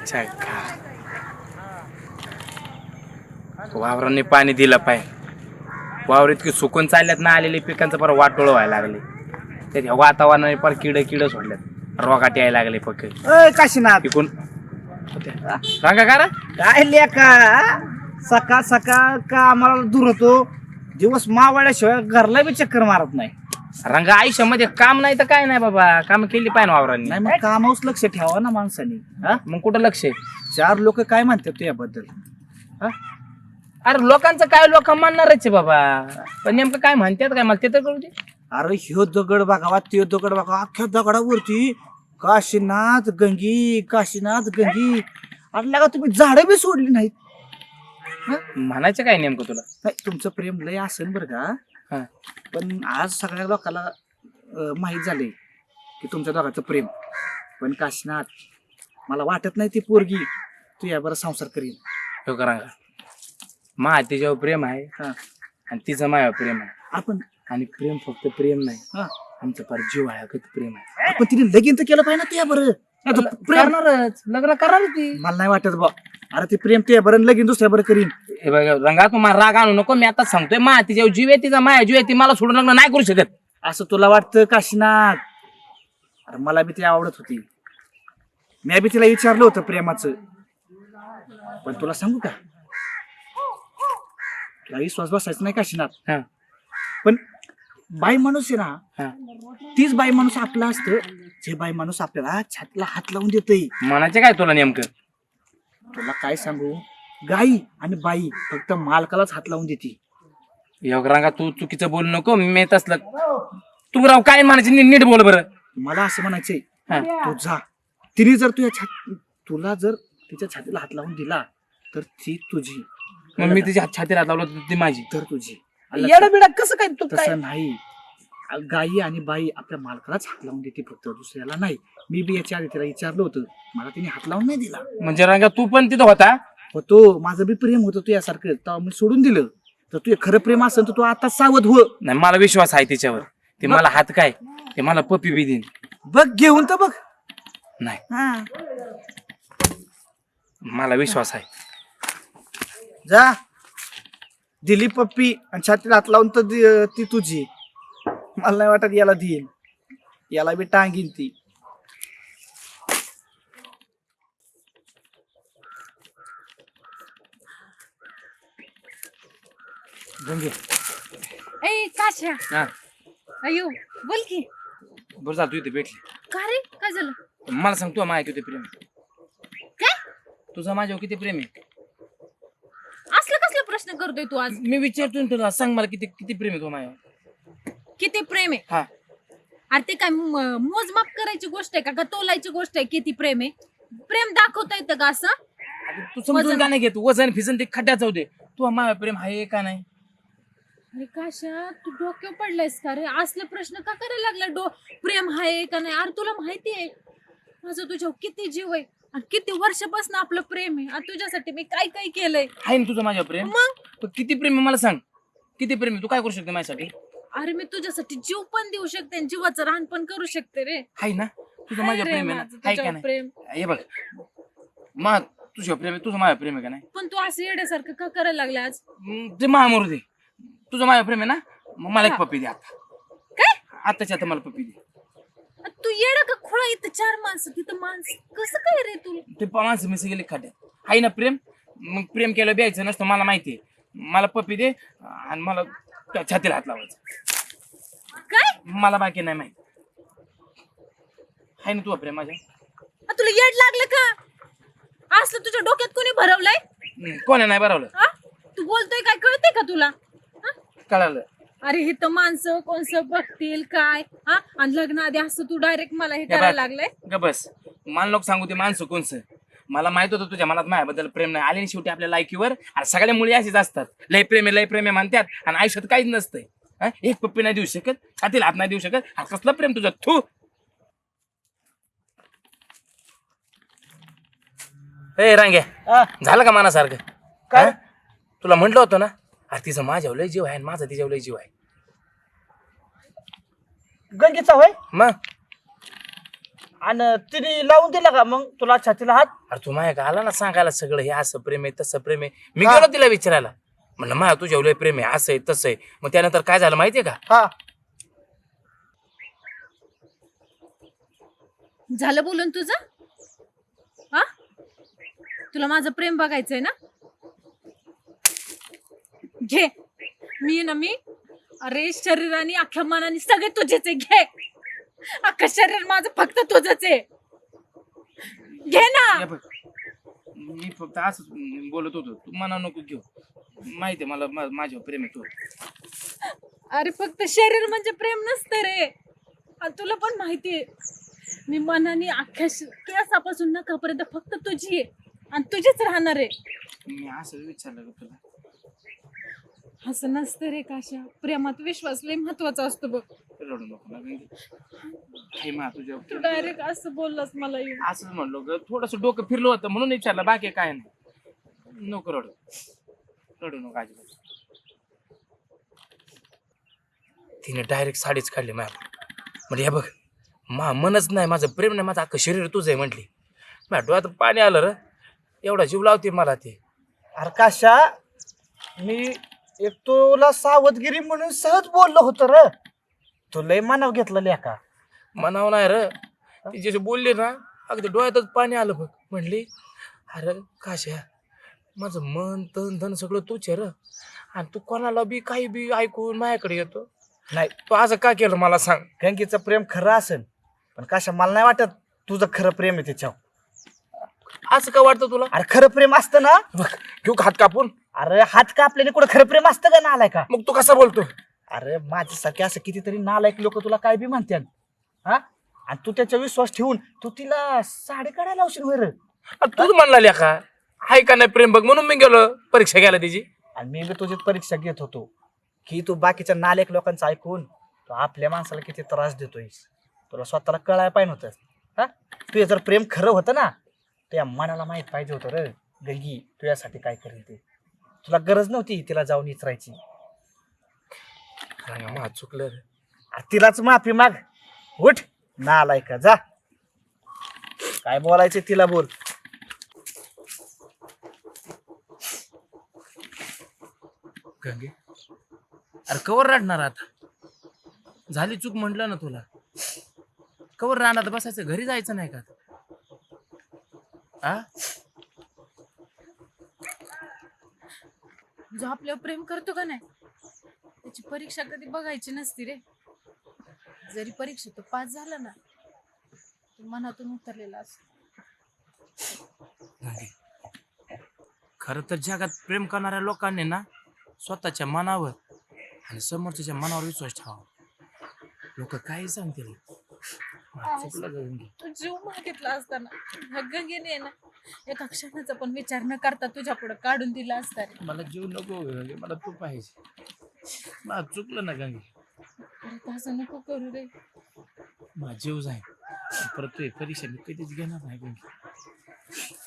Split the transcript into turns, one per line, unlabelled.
चक्का वावरांनी पाणी दिलं पाहिजे. वावर इतकी सुकून चालल्यात ना, आलेले पिकांचं पर वाटोळ व्हायला लागले. त्या वातावरणाने पर किड सोडल्यात, रोगाट यायला लागले पक्क.
काशीनाथ
पिकून सांगा का रे?
काय लेका सकाळ सकाळ का आम्हाला दूर होतो, दिवस मावळल्याशिवाय घरला बी चक्कर मारत नाही.
रंगा आयुष्यामध्ये काम नाही तर काय नाही बाबा, काम केली पाहिजे वावरांनी.
नाही मग कामावच लक्ष ठेवा ना माणसाने. हा
मग कुठं लक्ष आहे?
4 लोक काय म्हणतात तुझ्याबद्दल? हा
अरे लोकांचं काय, लोक म्हणणारच आहे बाबा, पण नेमकं काय म्हणतात काय मला ते तर कळू दे.
अरे ह्यो दगड बघावा त्यो दगड बघावा, अख्ख्या दगडावरती काशीनाथ गंगी काशीनाथ गंगी. अरे का तुम्ही झाडं बी सोडली नाहीत.
म्हणायचं काय नेमकं तुला?
नाही तुमचं प्रेम लय असेल बरं का,
हा.
पण आज सगळ्या लोकांना माहीत झाले की तुमच्या दोघांचं प्रेम. पण काशीनाथ मला वाटत नाही ती पोरगी तू यावर संसार करील.
हो का रंगा, मा तिच्यावर प्रेम आहे
हा
आणि तिचं माझ्यावर प्रेम आहे.
आपण
आणि प्रेम फक्त प्रेम नाही,
हा
आमचं फार जीव आहे अगं प्रेम आहे.
आपण तिने लगीन तर केलं पाहिजे ना तुझ्या बरं. प्रेम
करणारच, लग्न करणार ती.
मला नाही वाटत बा. अरे ते प्रेम तुझ्या बरं लगीन दुसऱ्या बरं करीन.
हे बघ रंगा, तू मला राग आणू नको. मी आता सांगतोय, मा तिच्यावर जीव आहे, तिचा माया जीव आहे, ती मला सोडून लग्न नाही करू शकत.
असं तुला वाटतं काशीनाथ? अरे मला बी ती आवडत होती, मी बी तिला विचारलं होतं प्रेमाचं. पण तुला सांगू का, तुला विश्वास बसायचा नाही काशीनाथ.
हा
पण बाई माणूस आहे ना,
हा,
तीच बाई माणूस आपला असतं जे बाई माणूस आपल्याला छातीला हात लावून देतय.
म्हणायचं काय तुला नेमकं?
तुला काय सांगू, गाई आणि बाई फक्त मालकालाच हात लावून देते.
योग रंगा, तू चुकीचं बोलू नको. मी तसलं तू राव काय म्हणायचं, नीट बोल बरं.
मला असं म्हणायचंय,
हा.
तू जा, तिने जर तुला जर तिच्या छातीला हात लावून दिला तर ती तुझी.
मग मी तिच्या छातीला हात लावलं तर ती माझी.
तर तुझी.
येडा बिडा कसं काय तू? काय
तसं नाही, गाई आणि बाई आपल्या मालकालाच हात लावून देते, फक्त दुसऱ्याला नाही. मी बी याच्या आधी तिला विचारलं होतं, मला तिने हात लावून नाही दिला.
म्हणजे रंगा तू पण तिथं होता?
होतो, माझं बी प्रेम होतं तू यासारखं, तेव्हा मी सोडून दिलं. तर तू खरं प्रेम असेल तर तू आता सावध हो.
नाही, मला विश्वास आहे तिच्यावर. ते मला हात काय, ते मला पप्पी बी देईन.
बघ घेऊन तर बघ.
नाही,
हा
मला विश्वास आहे.
जा, दिली पप्पी आणि छातीला हात लावून तर ती तुझी. मला नाही वाटत याला देईल, याला बी टांगीन ती.
गंगे.
ए काश्या,
हा
अयो बोल की.
बरं झालं तू इथे भेटली.
का रे, काय झालं?
मला सांग, तू माझ्या किती प्रेम आहे?
काय
तुझं माझ्यावर किती प्रेम आहे?
असलं कसला प्रश्न करतोय तू आज?
मी विचारतो तुला, सांग मला किती किती प्रेम आहे तू माझ्यावर?
किती प्रेम आहे?
हा,
अरे ते काय मोजमाप करायची गोष्ट आहे का तोलायची गोष्ट आहे? किती प्रेम आहे? प्रेम दाखवता येतं का असं?
अगं तू समजून का नाही घेत? वजन फिजन ते खड्ड्याच होते. तू माझ्या प्रेम आहे का नाही?
अरे काशा, तू डोक्यावर पडलायस का रे? असले प्रश्न का करायला लागला? प्रेम आहे का नाही? अरे तुला माहिती आहे माझं तुझ्यावर किती जीव आहे आणि किती वर्षापासून आपलं प्रेम आहे. आणि तुझ्यासाठी मी काय काय केलंय.
आहे ना तुझं माझ्यावर प्रेम?
मग
पण किती प्रेम आहे मला सांग, किती प्रेम आहे? तू काय करू शकते माझ्यासाठी?
अरे मी तुझ्यासाठी जीव पण देऊ शकते आणि जीवाचं रान पण करू शकते रे.
आहे ना तुझं
हाय
माझ्या
रे
प्रेम आहे ना?
माझं
आहे का
तुझ्यावर
नाही?
प्रेम.
हे बघ, मग तुझ्या प्रेम आहे, तुझं माझ्या प्रेम आहे का नाही?
पण तू असं येड्यासारखं का करायला लागला आज?
ते महामोर दे. तुझं माझ्या प्रेम आहे ना, मग मला एक पप्पी दे आता.
काय?
आताच्या आता मला पप्पी दे.
तू येडा का खोळा? इथं 4 माणसं, तिथं माणसं कसं काय रे तू?
ते माणसं मिस गेले खड्ड्यात. आहे ना प्रेम? मग प्रेम केलं द्यायचं नसतं, मला माहिती आहे. मला पप्पी दे आणि मला त्या छातीला हात लावायचा.
काय?
मला बाकी नाही माहिती. आहे ना तुझं प्रेम माझ्या?
तुला येड लागलं का? असलं तुझ्या डोक्यात कोणी भरवलंय?
कोणा नाही बरवलं?
हा? तू बोलतोय काय कळतंय का तुला? हा?
कळालं.
अरे हे तर माणसं कोणसं बघतील काय? हा? आणि लग्न आधी असं तू डायरेक्ट मला हे
हे बघ,
करायला लागलंय?
ग बस. मला लोक सांगू ते माणसं कोणचं. मला माहित होतं तुझ्या मनात माझ्याबद्दल प्रेम नाही. आले शेवटी आपल्या लायकीवर. आणि सगळ्या मुली अशीच असतात, लय प्रेम आहे लय प्रेम आहे म्हणतात आणि आयुष्यात काहीच नसतंय. एक पप्पी नाही देऊ शकत, छातीला हात नाही देऊ शकत. हा कसलं प्रेम तुझं? थू. ए रांग्या, झालं का मनासारखं?
काय?
हा? तुला म्हटलं होतं ना, अरे तिचं माझ्यावर लय जीव आहे आणि माझा तिच्यावर लय जीव आहे.
गंगेचा होय?
मग
आणि तिने लावून दिला का मग तुला छातीला हात?
अरे तू माझ्या आला ना सांगायला सगळं, हे असं प्रेम आहे तसं प्रेम आहे. मी
हा.
गेलो तिला विचारायला, म्हणलं माझ्या तुझ्या लय प्रेम आहे, असं आहे तसं आहे. मग त्यानंतर काय झालं माहितीये का?
हा
झालं बोलून तुझं? हा, तुला माझं प्रेम बघायचंय ना? घे. मी अरे शरीराने अख्ख्या मनाने सगळे तुझेच आहे. घे, अख्खं शरीर माझं फक्त तुझंच आहे. घे ना.
हे बघ, मी फक्त असंच बोलत होतो, तू मना नको घेऊ. माहितीये मला माझ्यावर प्रेम आहे तू.
अरे फक्त शरीर म्हणजे प्रेम नसतं रे. आणि तुला पण माहितीये मी मनाने अख्ख्या केसापासून नखापर्यंत फक्त तुझी आहे आणि तुझीच राहणार आहे.
मी असं विचारलं का तुला?
असं नसतं रे काशा. प्रेमात विश्वास लय महत्वाचा असतो बघ.
रडू नको ना गंगे. हे मा तुझ्या
तू डायरेक्ट असं बोललास मला येऊन.
असंच म्हणलो ग, थोडस डोकं फिरलं होतं म्हणून विचारलं, बाकी काय नाही. नको रडू, रडू नको अजिबात. तिने डायरेक्ट साडीच काढली माझ्या. म्हणजे हे बघ, मनच नाही, माझं प्रेम नाही, माझं अख्खं शरीर तुझं आहे म्हटली. माझ्या डोळ्यात पाणी आलं र, एवढा जीव लावते मला ते.
अरे काशा, मी एक तुला सावधगिरी म्हणून सहज बोललो होतो र. तू लय मानाव घेतलं लेका.
म्हणावं नाही र, ती जशी बोलली ना अगदी डोळ्यातच पाणी आलं बघ. म्हणली अरे काशा, माझं मन तन धन सगळं तूच आहे र, आणि तू कोणाला बी काही बी ऐकून माझ्याकडे येतो.
नाही,
तू असं का केलं मला सांग?
गंगेचं प्रेम खरं असेल, पण काशा मला नाही वाटत तुझं खरं प्रेम आहे त्याच्यावर.
असं का वाटतं तुला?
अरे खरं प्रेम असतं ना.
बघ, घेऊ का हात कापून?
अरे हात का आपल्याला कुठं खरं प्रेम असतं का नालाय का?
मग तू कसं बोलतो?
अरे माझ्यासारखे असं कितीतरी नालायक लोक तुला काय बी म्हणतात. हा, आणि तू त्याचा विश्वास ठेवून तू तिला साडी काढायला लावशील वर.
तूच म्हणला लेखा हाय का नाही प्रेम बघ, म्हणून मी गेलो परीक्षा घ्यायला तिची.
आणि मी बी तुझी परीक्षा घेत होतो की तू बाकीच्या नालायक लोकांचं ऐकून तू आपल्या माणसाला किती त्रास देतोयस. तुला स्वतःला कळायला पाहिजे होतं. हा, तुझं जर प्रेम खरं होतं ना, तुझ्या मनाला माहित पाहिजे होतं रे गंगी तुझ्यासाठी काय करेल ते. तुला गरज नव्हती तिला जाऊन विचारायची.
चुकलं रे.
तिलाच माफी माग. उठ नालाय का, जा. काय बोलायचं तिला बोल.
गंगे, अरे कवर रडणार आता? झाली चूक म्हटलं ना तुला. कवर राहणार बसायचं, घरी जायचं नाही का? आ,
जो आपल्यावर प्रेम करतो का नाही त्याची परीक्षा कधी बघायची नसती रे. जरी परीक्षा तो पास झाला ना, तो मनातून उतरलेला असतो.
खरं तर जगात प्रेम करणाऱ्या लोकांनी ना स्वतःच्या मनावर आणि समोरच्या मनावर विश्वास ठेवावा. लोक काही सांगतील. चुकलं गंगे.
तू जीव मागितला असताना ह्या गंगेने ना एका क्षणाचा पण विचार न करता तुझ्या पुढे काढून दिला असता रे.
मला जीव नको गंगे, मला तू पाहिजे. मला चुकलं ना गंगे,
परत असं नको करू रे.
माझा जीव जाईल. परत तू परीक्षा मी कधीच घेणार नाही गंगे.